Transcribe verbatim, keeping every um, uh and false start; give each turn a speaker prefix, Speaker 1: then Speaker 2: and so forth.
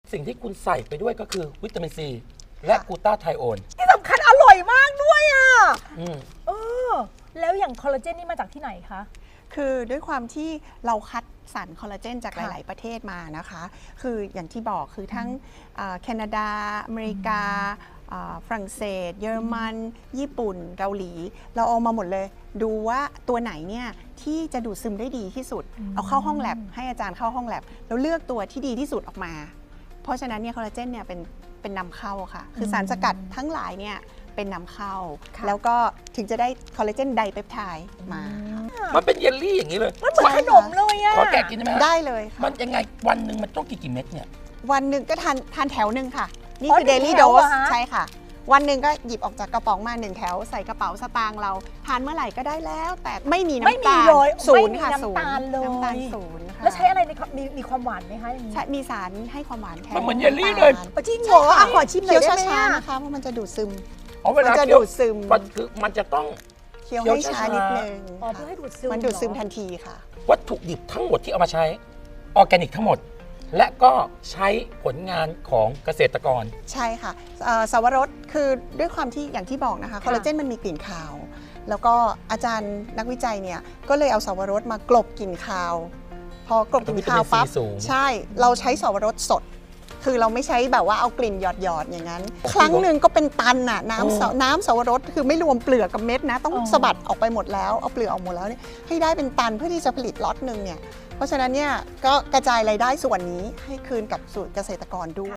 Speaker 1: สิ่งที่คุณใส่ไปด้วยก็คือวิตามินซีและกลูตาไทโอน
Speaker 2: ที่สำคัญอร่อยมากด้วยอ่ะ
Speaker 1: อืม
Speaker 2: เออแล้วอย่างคอลลาเจนนี่มาจากที่ไหนคะ
Speaker 3: คือด้วยความที่เราคัดสรรคอลลาเจนจากห
Speaker 2: ค่ะ
Speaker 3: ลาย ๆ ประเทศมานะคะ คืออย่างที่บอกคือทั้งเอ่อแคนาดา อเมริกาเอ่อฝรั่งเศส เยอรมัน ญี่ปุ่น เกาหลี เราเอามาหมดเลย ดูว่าตัวไหนเนี่ยที่จะดูดซึมได้ดีที่สุด เอาเข้าห้องแลบให้อาจารย์เข้าห้องแลบแล้วเลือกตัวที่ดีที่สุดออกมา เพราะฉะนั้นเนี่ยคอลลาเจนเนี่ยเป็นเป็นนำเข้าค่ะ คือสารสกัดทั้งหลายเนี่ยเป็นนำเข้า
Speaker 2: ค่ะ
Speaker 3: แล้วก็ถึงจะได้คอลลาเจนไดเปปไทด์มาค่ะ
Speaker 1: มันเป็นเยลลี่อย่างนี้เลย
Speaker 2: มันเหมือนขนมเลยอ่ะ
Speaker 1: ขอแกะกินได้ไหมฮะ
Speaker 3: ได้เลยค่ะ
Speaker 1: มันยังไงวันหนึ่งมันต้องกี่กี่เม็ดเนี่ย
Speaker 3: วันหนึ่งก็ทานทานแถวหนึ่งค่ะ นี่
Speaker 2: อ๋อ
Speaker 3: คือ
Speaker 2: หนึ่
Speaker 3: เด
Speaker 2: ง
Speaker 3: ลี่
Speaker 2: แถ
Speaker 3: โด
Speaker 2: วเหร
Speaker 3: ส
Speaker 2: อฮะ
Speaker 3: ใช่ค่ะ วันหนึ่งก็หยิบออกจากกระป๋องมาหนึ่งแถวใส่กระเป๋าสตางค์เรา ทานเมื่อไหร่ก็ได้แล้ว แต่ไม่มี
Speaker 2: ไม่
Speaker 3: น้ำ
Speaker 2: มี
Speaker 3: ตาล
Speaker 2: เลย
Speaker 3: ศู
Speaker 2: ไม่
Speaker 3: นย์
Speaker 2: มี
Speaker 3: ค่ะ
Speaker 2: น้ำตาลเลย
Speaker 3: น้ำตาลศูนย์ค่ะ
Speaker 2: แล้วใช้อะไรในมีมีความหวานไหมคะอย่างนี้
Speaker 3: ใช่มีสารให้ความหวานแทน
Speaker 1: มันเหมือนเยลลี่เลย
Speaker 3: น้ำตา
Speaker 2: อ๋อจริงเหรออ่ะขอชิมหน่
Speaker 3: เคี้
Speaker 2: อย
Speaker 3: ยว
Speaker 2: ได้ไหม
Speaker 3: ช้า
Speaker 2: อ่ะ
Speaker 3: ๆนะคะเพราะมันจะดูดซึม
Speaker 1: อ๋อเวลา
Speaker 3: มันจะ
Speaker 1: เคี้ยว
Speaker 3: ดูดซึม
Speaker 1: มันคือมันจะต้อง
Speaker 3: เคี้ยว
Speaker 1: เคี้ยว
Speaker 3: ให้ช้า
Speaker 1: ช้าๆ
Speaker 3: นิดนึง
Speaker 2: อ๋อเพื่อให้ดูดซึม
Speaker 3: มันดูดซึม
Speaker 2: เหรอ
Speaker 3: ทันทีค่ะ
Speaker 1: วัตถุดิบทั้งหมดที่เอามาใช้ออร์แกนิกทั้งหมด และก็ใช้ผลงานของเกษตรกร
Speaker 3: ใช่ค่ะเอ่อสาวรสคือด้วยความที่อย่างที่บอกนะคะคอลลาเจนมันมีกลิ่นคาว แล้วก็อาจารย์นักวิจัยเนี่ยก็เลยเอาสาวรสมากลบกลิ่นคาว พอกลบกลิ่นคาวปั๊บ
Speaker 1: วิตามินซีสูง
Speaker 3: ใช่เราใช้สาวรสสด คือเราไม่ใช้แบบว่าเอากลิ่นหยอดหยอดๆอย่างนั้น ครั้งหนึ่งก็เป็นตันน่ะน้ำสาน้ำสาวรสคือไม่รวมเปลือกกับเม็ดนะ ต้อง
Speaker 2: อ๋อ
Speaker 3: สะบัดออกไปหมดแล้วเอาเปลือกออกหมดแล้วเนี่ยให้ได้เป็นตันเพื่อที่จะผลิตล็อตหนึ่งเนี่ยเพราะฉะนั้นเนี่ยก็กระจายรายได้ส่วนนี้ให้คืนกับสู่เกษตรกรด้วย